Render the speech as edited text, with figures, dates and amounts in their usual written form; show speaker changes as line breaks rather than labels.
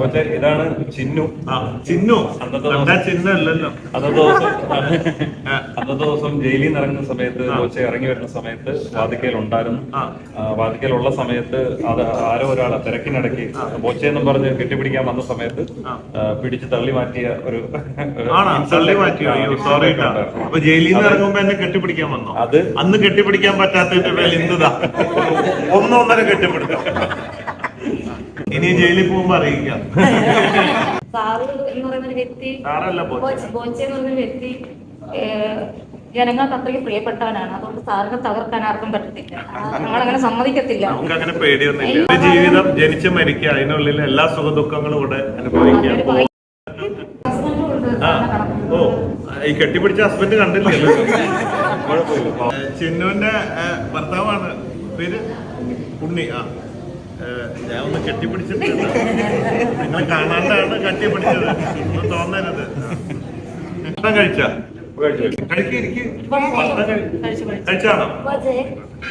പക്ഷേ ഇതാണ് ചിന്നു.
ചിന്നു
ചിഹ്നല്ലോ. അന്നത്തെ ദിവസം ജയിലിൽ നിന്ന് ഇറങ്ങുന്ന സമയത്ത് ബോച്ചെ ഇറങ്ങി വരുന്ന സമയത്ത് വാതിക്കയിലുണ്ടായിരുന്നു. വാതിക്കയിലുള്ള സമയത്ത് അത് ആരോ ഒരാളെ തിരക്കിനിടയ്ക്ക് ബോച്ചെ എന്നും പറഞ്ഞ് കെട്ടിപ്പിടിക്കാൻ വന്ന സമയത്ത് പിടിച്ച് തള്ളി മാറ്റിയ ഒരു
അപ്പൊ ജയിലിൽ നിന്ന് ഇറങ്ങുമ്പോ എന്നെ കെട്ടിപ്പിടിക്കാൻ വന്നോ? അത് അന്ന് കെട്ടിപ്പിടിക്കാൻ പറ്റാത്തതിന്റെ പേരിൽ ഇന്നതാ ഒന്നൊന്നര കെട്ടിപ്പിടുത്തം. ഇനി ജയിലിൽ പോകുമ്പോ അറിയിക്കാം.
സാറ് എന്ന് പറയുന്ന ഒരു വ്യക്തി, ബോച്ചെ എന്ന് പറയുന്ന വ്യക്തി ജനങ്ങൾക്ക് അത്രയ്ക്ക് പ്രിയപ്പെട്ടവനാണ്. അതുകൊണ്ട് സാറിനെ തകർക്കാൻ ആർക്കും പറ്റത്തില്ല. നമ്മളങ്ങനെ സമ്മതിക്കത്തില്ല.
നമുക്ക് അങ്ങനെ പേടിയൊന്നുമില്ല. ജീവിതം ജനിച്ച് മരിക്കുക, അതിനുള്ളിൽ എല്ലാ സുഖ ദുഃഖങ്ങളും ഇവിടെ അനുഭവിക്കാം. ഓ, ഈ കെട്ടിപ്പിടിച്ച ഹസ്ബൻഡ് കണ്ടില്ലല്ലോ. ചിന്നുവിന്റെ ഭർത്താവാണ്, പേര് ഉണ്ണി. ഞാൻ ഒന്ന് കെട്ടിപ്പിടിച്ചിട്ടുണ്ട്. നിങ്ങൾ കാണാണ്ടാണ് കെട്ടിപ്പിടിച്ചത്, ഒന്നും തോന്നരുത്. കഴിച്ചാണോ?